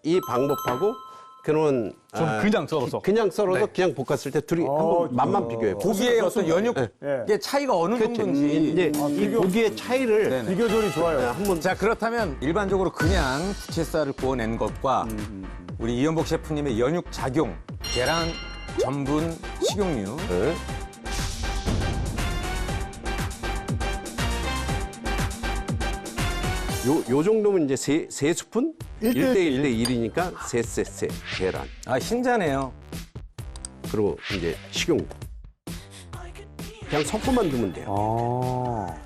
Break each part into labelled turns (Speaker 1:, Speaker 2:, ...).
Speaker 1: 이 방법하고 그는
Speaker 2: 그냥 썰어서.
Speaker 1: 그냥 썰어서
Speaker 2: 네.
Speaker 1: 그냥 볶았을 때 둘이 한번 맛만 비교해 보세요.
Speaker 3: 고기의 어떤 연육의 차이가 어느 정도인지.
Speaker 1: 이제 이 고기의 차이를
Speaker 3: 네네.
Speaker 4: 비교절이 좋아요.
Speaker 1: 한번
Speaker 3: 자, 그렇다면 일반적으로 그냥 부채살을 구워낸 것과 우리 이연복 셰프님의 연육 작용, 계란, 전분, 식용유.
Speaker 1: 네. 요 정도면 이제 세 스푼? 1대 1이니까 세 계란.
Speaker 3: 아, 흰자네요.
Speaker 1: 그리고 이제 식용유. 그냥 섞어만 두면 돼요.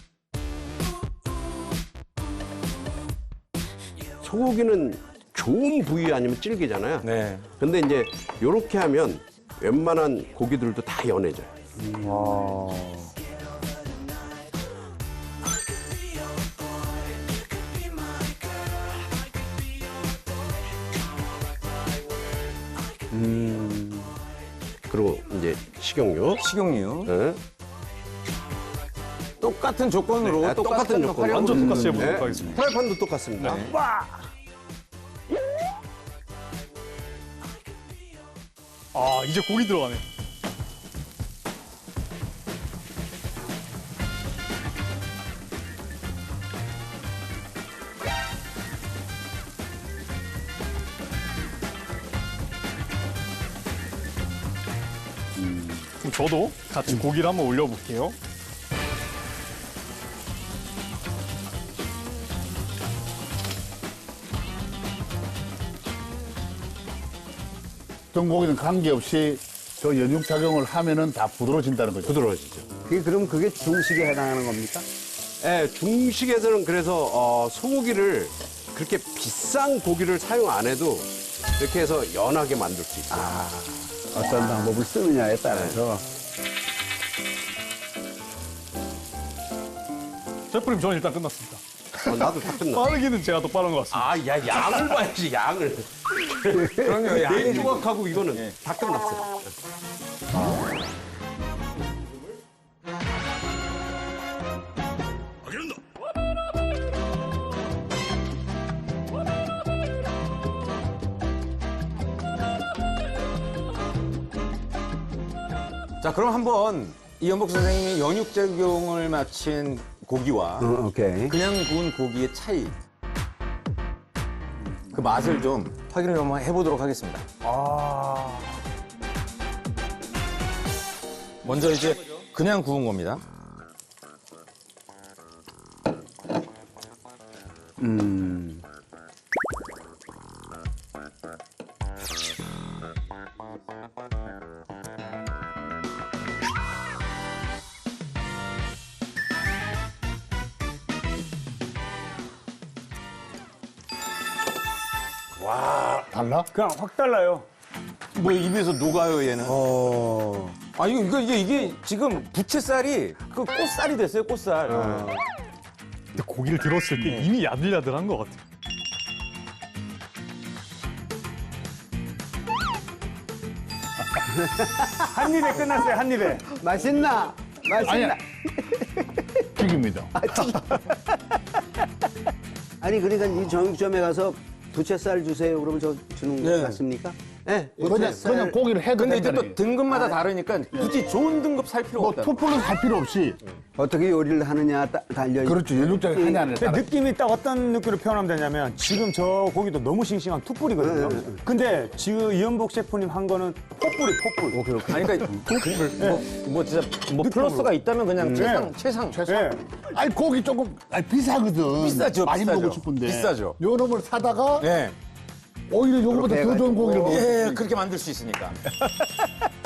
Speaker 1: 소고기는 좋은 부위 아니면 질기잖아요.
Speaker 3: 네.
Speaker 1: 근데 이제 요렇게 하면 웬만한 고기들도 다 연해져요. 그리고 이제 식용유.
Speaker 3: 식용유.
Speaker 1: 네.
Speaker 3: 똑같은 조건으로
Speaker 1: 네, 똑같은 조건.
Speaker 3: 활용으로.
Speaker 2: 완전 똑같이 해보도록
Speaker 1: 네.
Speaker 2: 하겠습니다.
Speaker 1: 프라이팬도 똑같습니다.
Speaker 3: 네.
Speaker 2: 아, 이제 고기 들어가네. 그럼 저도 같이 고기를 한번 올려볼게요.
Speaker 4: 어떤 고기는 관계없이 저 연육 작용을 하면은 다 부드러워진다는 거죠.
Speaker 1: 부드러워지죠.
Speaker 5: 그럼 그게 중식에 해당하는 겁니까?
Speaker 1: 네, 중식에서는 그래서 소고기를 그렇게 비싼 고기를 사용 안 해도 이렇게 해서 연하게 만들 수 있어요.
Speaker 5: 어떤 방법을 쓰느냐에 따라서.
Speaker 2: 셰프님, 저는 일단 끝났습니다.
Speaker 1: 나도 다 끝나.
Speaker 2: 빠르기는 제가 더 빠른 것 같습니다.
Speaker 1: 아, 야, 양을 봐야지, 양을.
Speaker 3: 그럼요. 양이
Speaker 1: 내 조각하고 이거는 다 끝났어요.
Speaker 3: 자, 그럼 한번 이연복 선생님이 연육 작용을 마친 고기와
Speaker 5: 오케이.
Speaker 3: 그냥 구운 고기의 차이, 그 맛을 좀 확인을 한번 해보도록 하겠습니다. 먼저 이제 그냥 구운 겁니다.
Speaker 4: 달라? 그냥 확 달라요.
Speaker 3: 뭐 입에서 녹아요, 얘는. 아, 이게 지금 부채살이 그 꽃살이 됐어요, 꽃살.
Speaker 2: 근데 고기를 들었을 때 이미 야들야들한 것 같아요.
Speaker 4: 한 입에 끝났어요, 한 입에.
Speaker 5: 맛있나? 맛있나?
Speaker 4: 아니야. 튀깁니다.
Speaker 5: 아니, 그러니까 이 정육점에 가서 부채살 주세요. 그러면 저 주는 거
Speaker 3: 네.
Speaker 5: 같습니까?
Speaker 1: 네,
Speaker 4: 그냥 고기를 해도
Speaker 3: 근데 이제
Speaker 4: 된다는
Speaker 3: 또 등급마다 다르니까 굳이 좋은 등급 살 필요가
Speaker 4: 뭐
Speaker 3: 없다.
Speaker 4: 투플러스 할 필요 없이.
Speaker 5: 어떻게 요리를 하느냐 달려 있
Speaker 4: 그렇죠. 연육 작용 하냐 안
Speaker 6: 근데
Speaker 4: 하냐.
Speaker 6: 느낌이 딱 어떤 느낌으로 표현하면 되냐면 지금 저 고기도 너무 싱싱한 툭불이거든요. 근데 지금 이연복 셰프님 한 거는 폭불이 폭불.
Speaker 3: 아니, 그러니까 뭐 진짜 뭐 플러스가 있다면 그냥 최상.
Speaker 6: 예.
Speaker 4: 아니 고기 조금 비싸거든.
Speaker 3: 비싸죠,
Speaker 4: 많이
Speaker 3: 비싸죠.
Speaker 4: 먹고 싶은데.
Speaker 3: 비싸죠.
Speaker 4: 요 놈을 사다가
Speaker 3: 예.
Speaker 4: 오히려 요거보다 더 좋은 고기를 먹어.
Speaker 3: 예, 그렇게 만들 수 있으니까.